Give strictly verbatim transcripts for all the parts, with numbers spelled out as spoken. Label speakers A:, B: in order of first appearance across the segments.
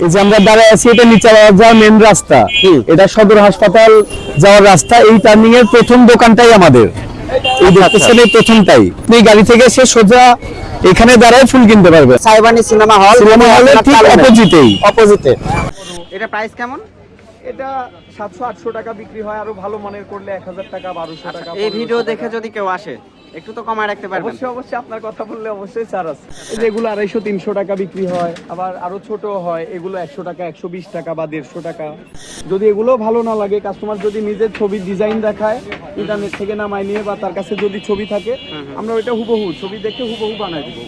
A: এই যে আমরা দাঁড়ায় আছি, এটা নিচে যাওয়ার মেন রাস্তা, এটা সদর হাসপাতাল যাওয়ার রাস্তা। এই টার্নিং এর প্রথম দোকানটাই আমাদের, এই দেখতেছেন এই প্রথমটাই। আপনি গাড়ি থেকে এসে সোজা এখানে দাঁড়ায় ফুল কিনতে পারবে।
B: সাইবানি সিনেমা হল,
A: সিনেমা হলের ঠিক অপোজিটেই।
B: অপোজিটে। এটা প্রাইস কেমন?
C: এটা সাতশো আটশো টাকা বিক্রি হয়, আরো ভালো মানের করলে এক হাজার টাকা বারোশো টাকা।
B: এই ভিডিও দেখে যদি কেউ আসে একটু তো কমায় রাখতে পারবেন?
C: অবশ্যই অবশ্যই, আপনার কথা বললে অবশ্যই ছাড় আছে। এই যে এগুলো আড়াইশো তিনশো টাকা বিক্রি হয়, আবার আরো ছোট হয়, এগুলো একশো টাকা একশো বিশ টাকা বা দেড়শো টাকা। যদি এগুলো ভালো না লাগে, কাস্টমার যদি নিজের ছবি ডিজাইন দেখায় ইন্টারনেট থেকে নামায় নিয়ে, বা তার কাছে যদি ছবি থাকে, আমরা ওইটা হুবহু ছবি দেখে হুবহু বানাই দিব।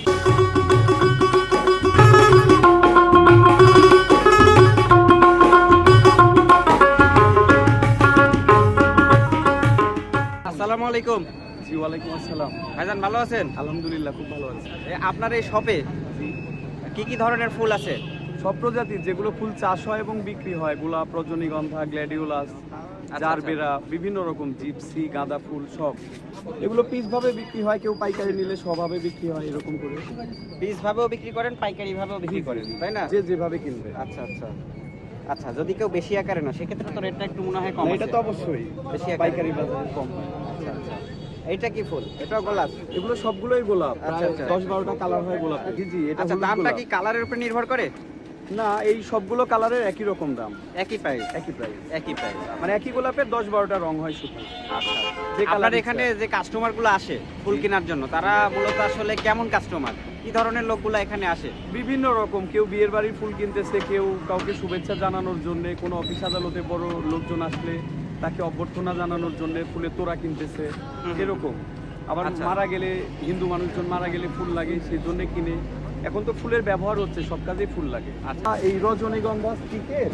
B: আসসালামু আলাইকুম।
C: জি ওয়ালাইকুম আসসালাম।
B: ভাইজান ভালো আছেন?
C: আলহামদুলিল্লাহ, খুব ভালো আছে।
B: আপনার এই শপে কি কি ধরনের ফুল আছে?
C: সব প্রজাতির যেগুলো ফুল চাষ হয় এবং বিক্রি হয়, গোলাপ, রজনীগন্ধা, গ্ল্যাডিওলাস, জারবেরা, বিভিন্ন রকম জিপসি, গাঁদা ফুল, সব এগুলো পিস ভাবে বিক্রি হয়। কেউ পাইকারি নিলে স্বভাবে বিক্রি হয়, এরকম করে
B: পিস ভাবেও বিক্রি করেন, পাইকারি ভাবেও বিক্রি করেন, তাই না?
C: যে যেভাবে কিনবে।
B: আচ্ছা আচ্ছা আচ্ছা, যদি কেউ বেশি আকারে না, সেক্ষেত্রে তো রেটটা একটু মনে হয় কম।
C: এটা তো অবশ্যই
B: বেশি আকারে।
C: পাইকারি বাজারে কম হয়।
B: আচ্ছা আচ্ছা, এইটা কি ফুল? এটা গোলাপ?
C: এগুলো সবগুলোই গোলাপ,
B: আচ্ছা,
C: প্রায়
B: আচ্ছা।
C: দশ বারোটা কালার হয় গোলাপ। জি জি, এটা
B: আচ্ছা,
C: হলুদ
B: দামটা
C: গোলাপ।
B: কি কালারের উপর নির্ভর করে?
C: না, এই সবগুলো কালারের একই রকম দাম,
B: একই প্রাইস?
C: একই প্রাইস,
B: একই প্রাইস,
C: মানে একই গোলাপের দশ বারোটা রং হয় শুধু।
B: আচ্ছা।
C: যে
B: আপনার
C: কালার
B: এখানে যে কাস্টমারগুলো আসে ফুল কেনার জন্য, তারা মূলত আসলে কেমন কাস্টমার? কি ধরনের লোকগুলো এখানে আসে?
C: বিভিন্ন রকম, কেউ বিয়ের বাড়ির ফুল কিনতেছে, কেউ কাউকে শুভেচ্ছা জানানোর জন্য, কোনো অফিস আদালতে বড় লোকজন আসলে তাকে অভ্যর্থনা জানানোর জন্য ফুলের তোড়া কিনতেছে, এরকম। আবার
B: আচ্ছা।
C: মারা গেলে, হিন্দু মানুষজন মারা গেলে ফুল লাগে, সেই জন্য কিনে। এখন তো ফুলের ব্যবহার হচ্ছে, সব কাজেই ফুল লাগে।
B: আচ্ছা।
C: এই রজনীগন্ধা স্টিকের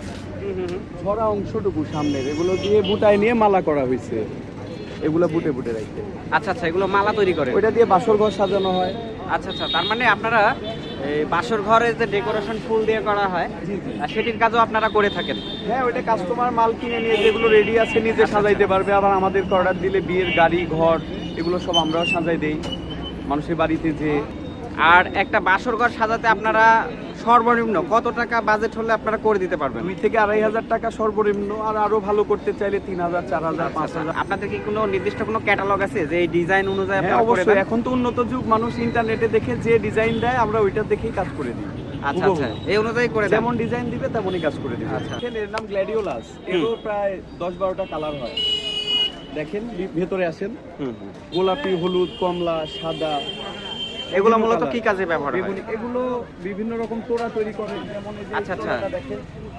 C: ছড়া অংশটুকু সামনের, এগুলো দিয়ে বুটায় নিয়ে মালা করা হয়েছে, এগুলো বুটে বুটে রাখতে।
B: আচ্ছা আচ্ছা, এগুলো মালা তৈরি করে?
C: ওইটা দিয়ে বাসর ঘর সাজানো হয়।
B: আচ্ছা আচ্ছা, তার মানে আপনারা এই বাসর ঘরে যে ডেকোরেশন ফুল দিয়ে করা হয়,
C: জি জি,
B: আর সেটির কাজও আপনারা করে থাকেন?
C: হ্যাঁ, ওইটা কাস্টমার মাল কিনে নিয়ে যেগুলো রেডি আছে নিজে সাজাইতে পারবে। আবার আমাদের অর্ডার দিলে বিয়ের গাড়ি, ঘর, এগুলো সব আমরাও সাজাই দেই মানুষের বাড়িতে। যে
B: আর একটা বাসর ঘর সাজাতে আপনারা সর্বনিম্ন কত টাকা বাজেট হলে আপনারা করে দিতে পারবেন?
C: দুই থেকে আড়াই হাজার টাকা সর্বনিম্ন, আর আরো ভালো করতে চাইলে তিন হাজার, চার হাজার, পাঁচ হাজার।
B: আপনাদের কি কোনো নির্দিষ্ট কোনো ক্যাটালগ আছে যে এই ডিজাইন অনুযায়ী
C: হ্যাঁ
B: আপনারা করে
C: অবশ্যই,
B: দেন?
C: এখন তো উন্নত যুগ, মানুষ ইন্টারনেটে দেখে যে ডিজাইন দেয়, আমরা ওইটা দেখেই কাজ করে দিই।
B: আচ্ছা আচ্ছা, এই অনুযায়ী করে দেন?
C: যেমন ডিজাইন দিবে তেমনই কাজ করে দিবে।
B: আচ্ছা।
C: এর নাম গ্ল্যাডিওলাস, এরও প্রায় দশ বারোটা কালার হয়। দেখেন ভি- ভেতরে আসেন,
B: হুম হুম।
C: গোলাপি, হলুদ, কমলা, সাদা।
B: এগুলো
C: বিভিন্ন
B: মূলত
C: colour।
B: কি কাজে ব্যবহার হয়?
C: বেগুনি, এগুলো বিভিন্ন রকম তোড়া তৈরি করে। যেমন এই যে
B: আচ্ছা, আচ্ছা।
C: তোড়াটা দেখেন,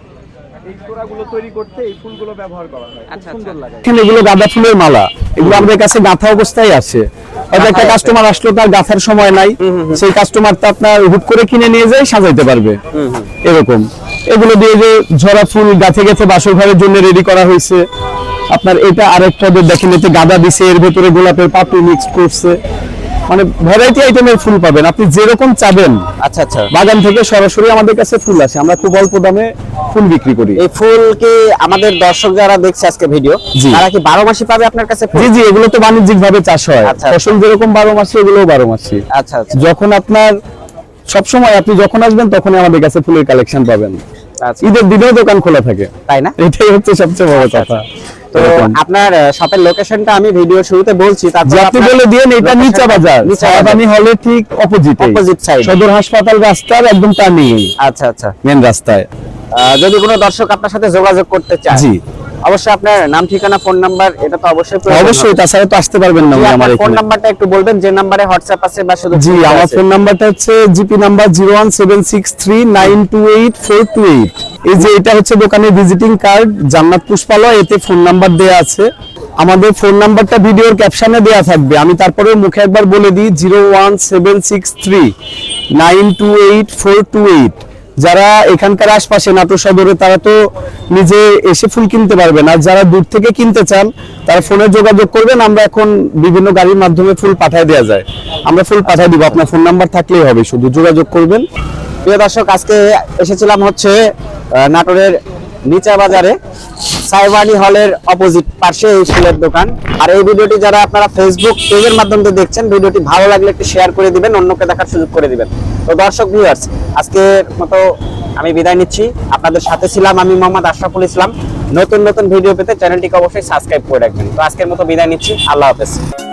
C: এই তোড়াগুলো তৈরি করতে এই ফুলগুলো ব্যবহার করা হয়, খুব
B: আচ্ছা,
C: সুন্দর
B: আচ্ছা।
C: লাগে।
A: এখানে এগুলো গাঁদা ফুলের মালা, এগুলো আমাদের কাছে গাঁথা অবস্থায় আছে। হয়তো একটা কাস্টমার আসলো, তার গাঁথার সময় নাই, সেই কাস্টমারটা আপনার হুট করে কিনে নিয়ে যায়, সাজাইতে পারবে, এরকম। এগুলো দিয়ে যে ঝরা ফুল গাছে গেছে বাসর ঘরের জন্য রেডি করা হয়েছে। আপনার এটা আরেকটা দেখেন, এতে গাঁদা দিছে, এর ভেতরে গোলাপের পাপড়ি মিক্স করছে, মানে ভ্যারাইটি আইটেমের ফুল পাবেন, আপনি যেরকম চাবেন।
B: আচ্ছা আচ্ছা,
A: বাগান থেকে সরাসরি আমাদের কাছে ফুল আসে, আমরা খুব অল্প দামে ফুল বিক্রি করি।
B: এই ফুল কি আমাদের দর্শক যারা দেখছে আজকে ভিডিও,
A: জি।
B: তারা কি বারো মাসই পাবে আপনার কাছে ফুল?
A: জি জি, এগুলো তো বাণিজ্যিক ভাবে চাষ হয়,
B: আচ্ছা।
A: ফসল যেরকম বারো মাসে, এগুলোও বারো মাসে।
B: আচ্ছা আচ্ছা
A: যখন আপনার সবসময়, আপনি যখন আসবেন তখনই আমাদের কাছে ফুলের কালেকশন পাবেন।
B: আচ্ছা,
A: ঈদের দিনেও দোকান খোলা থাকে,
B: তাই না?
A: এটাই হচ্ছে সবচেয়ে বড় কথা।
B: তো আপনার শপের লোকেশনটা আমি ভিডিও শুরুতে বলছি,
A: যে
B: তারপর
A: আপনি বলে দিয়েন, এটা নিচা বাজার,
B: নিচা বাজার।
A: সায়াবানি হলের ঠিক অপোজিটে,
B: অপোজিট সাইড,
A: সদর হাসপাতাল রাস্তার একদম টার্নিং,
B: আচ্ছা আচ্ছা।
A: মেন রাস্তায়।
B: আহ, যদি কোনো দর্শক আপনার সাথে যোগাযোগ করতে চায়,
A: জি
B: অবশ্যই আপনার নাম, ঠিকানা, ফোন নাম্বার, এটা তো অবশ্যই প্রয়োজন
A: অবশ্যই,
B: হবে।
A: তাছাড়া তো আসতে পারবেন না
B: জি,
A: আমার
B: আপনার ফোন
A: এখানে।
B: নাম্বারটা একটু বলবেন, যে নাম্বারে হোয়াটসঅ্যাপ আছে বা শুধু
A: জি,
B: ফোন
A: আমার
B: আছে?
A: ফোন নাম্বারটা হচ্ছে GP number zero one seven six three nine two eight four two eight. এই যে এটা হচ্ছে দোকানের ভিজিটিং কার্ড, জান্নাত পুষ্পালয়, এতে ফোন নাম্বার দেয়া আছে। আমাদের ফোন নাম্বারটা ভিডিওর ক্যাপশনে দেয়া থাকবে, আমি তারপরে মুখে একবার বলে দিই, zero one seven six three nine two eight four two eight. যারা এখানকার আশপাশে নাটোর সদরে, তারা তো নিজে এসে ফুল কিনতে পারবেন, আর যারা দূর থেকে কিনতে চান তারা ফোনে যোগাযোগ করবেন। আমরা এখন বিভিন্ন গাড়ির মাধ্যমে ফুল পাঠিয়ে দেওয়া যায়, আমরা ফুল পাঠিয়ে দিব, আপনার ফোন নাম্বার থাকলেই হবে, শুধু যোগাযোগ করবেন।
B: প্রিয় দর্শক, আজকে এসেছিলাম হচ্ছে আহ, নাটোরের নিচা বাজারে সাইবানি হলের অপোজিট পাশে এই ফুলের দোকান। আর এই ভিডিওটি যারা আপনারা ফেসবুক পেজের মাধ্যমে দেখছেন, ভিডিওটি ভালো লাগলে একটু শেয়ার করে দিবেন, অন্যকে দেখার সুযোগ করে দিবেন। তো দর্শক ভিউয়ার্স, আজকের মতো আমি বিদায় নিচ্ছি। আপনাদের সাথে ছিলাম আমি মোহাম্মদ আশরাফুল ইসলাম। নতুন নতুন ভিডিও পেতে চ্যানেলটিকে অবশ্যই সাবস্ক্রাইব করে রাখবেন। তো আজকের মতো বিদায় নিচ্ছি, আল্লাহ হাফেজ।